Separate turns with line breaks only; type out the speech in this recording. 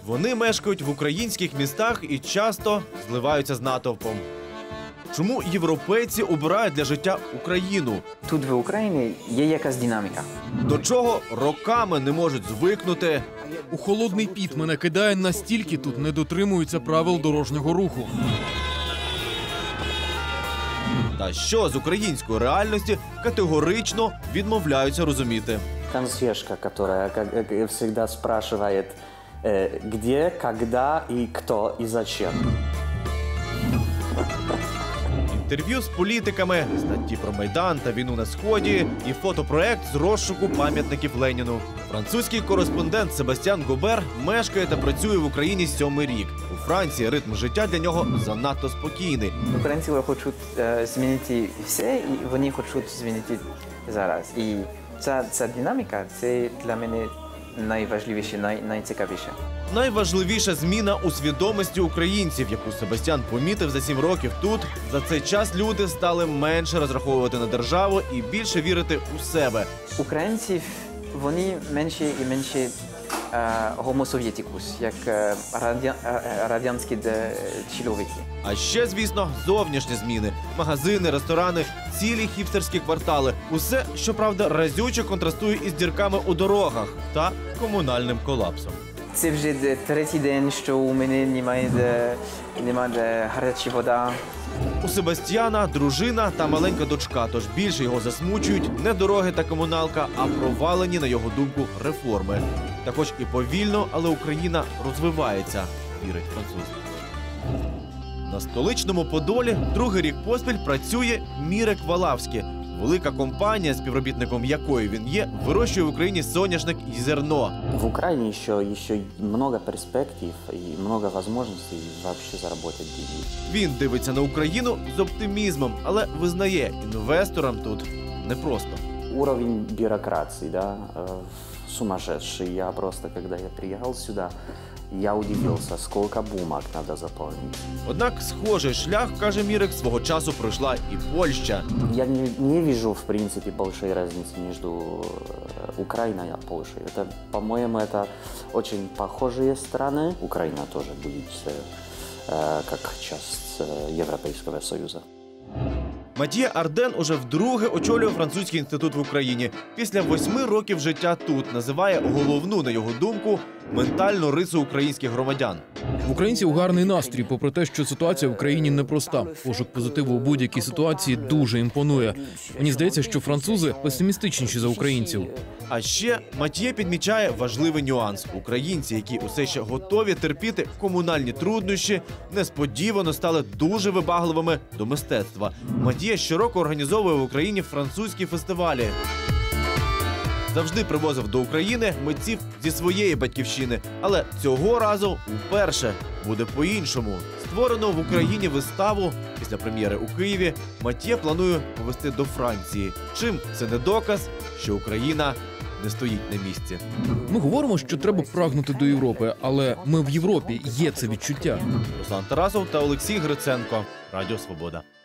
Вони мешкають в українських містах і часто зливаються з натовпом. Чому європейці обирають для життя Україну?
Тут в Україні є якась динаміка.
До чого роками не можуть звикнути?
У холодний піт мене кидає, настільки тут не дотримуються правил дорожнього руху.
Та що з української реальності категорично відмовляються розуміти.
Консьержка, которая, как всегда, спрашивает, где, когда и кто и зачем.
Інтерв'ю з політиками, статті про Майдан та війну на Сході і фотопроект з розшуку пам'ятників Леніну. Французький кореспондент Себастьян Гобер мешкає та працює в Україні 7-й рік. У Франції ритм життя для нього занадто спокійний.
Українці хочуть змінити все, і вони хочуть змінити зараз. І ця динаміка – це для мене найважливіше, найцікавіше.
Найважливіша зміна у свідомості українців, яку Себастьян помітив за 7 років тут. За цей час люди стали менше розраховувати на державу і більше вірити у себе.
Українці, вони менше і менше гомосовєтикус, як радянські чоловіки.
А ще, звісно, зовнішні зміни. Магазини, ресторани, цілі хіпстерські квартали. Усе, щоправда, разюче контрастує із дірками у дорогах та комунальним колапсом.
Це вже третій день, що у мене немає гаряча вода.
У Себастьяна дружина та маленька дочка, тож більше його засмучують не дороги та комуналка, а провалені, на його думку, реформи. Та хоч і повільно, але Україна розвивається, вірить француз. На столичному Подолі другий рік поспіль працює Мірек Валавський. Велика компанія, співробітником якої він є, вирощує в Україні соняшник і зерно.
В Украине еще много перспектив и много возможностей вообще заработать деньги.
Він дивиться на Україну з оптимізмом, але визнає, інвесторам тут непросто.
Уровень бюрократии, да, сумасшедший. Я просто, когда я приехал сюда, я удивился, сколько бумаг надо заполнить.
Однак схожий шлях, каже Мірек, свого часу пройшла і Польща.
Я не вижу, в принципе, большой разницы между Украиной и Польшей. Это, по-моему, это очень похожие страны. Украина тоже будет как часть Европейского Союза.
Матьє Арден уже вдруге очолює французький інститут в Україні. Після 8 років життя тут називає головну, на його думку, ментальну рису українських громадян.
В українців гарний настрій, попри те, що ситуація в країні непроста. Пошук позитиву у будь-якій ситуації дуже імпонує. Мені здається, що французи песимістичніші за українців.
А ще Матьє підмічає важливий нюанс. Українці, які усе ще готові терпіти комунальні труднощі, несподівано стали дуже вибагливими до мистецтва. Матьє щороку організовує в Україні французькі фестивалі. Завжди привозив до України митців зі своєї батьківщини. Але цього разу вперше буде по-іншому. Створену в Україні виставу після прем'єри у Києві Матьє планує повести до Франції. Чим це не доказ, що Україна не стоїть на місці.
Ми говоримо, що треба прагнути до Європи, але ми в Європі, є це відчуття.
Руслан Тарасов та Олексій Гриценко. Радіо Свобода.